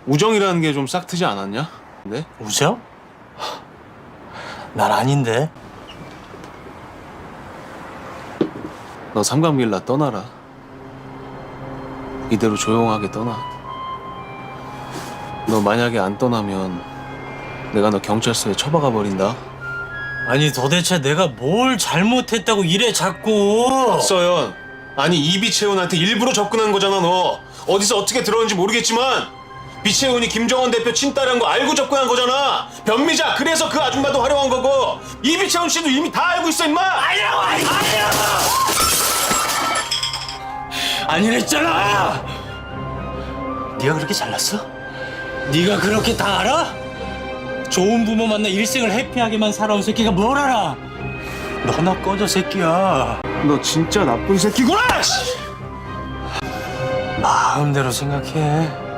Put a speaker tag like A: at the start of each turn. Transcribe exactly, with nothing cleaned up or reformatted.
A: 우정이라는 게 좀 싹트지 않았냐? 네?
B: 우정? 난 아닌데.
A: 너 삼각밀라 떠나라. 이대로 조용하게 떠나. 너 만약에 안 떠나면 내가 너 경찰서에 처박아 버린다.
B: 아니 도대체 내가 뭘 잘못했다고 이래 자꾸.
A: 서연, 아니 이비채훈한테 일부러 접근한 거잖아. 너 어디서 어떻게 들었는지 모르겠지만 비채훈이 김정은 대표 친딸한 거 알고 접근한 거잖아. 변미자, 그래서 그 아줌마도 활용한 거고 이비채훈 씨도 이미 다 알고 있어 임마.
B: 아니라고 아니라고 아니랬잖아. 네가 그렇게 잘났어? 네가 그렇게 다 알아? 좋은 부모 만나 일생을 해피하게만 살아온 새끼가 뭘 알아? 너나 꺼져 새끼야.
A: 너 진짜 나쁜 새끼구나.
B: 마음대로 생각해.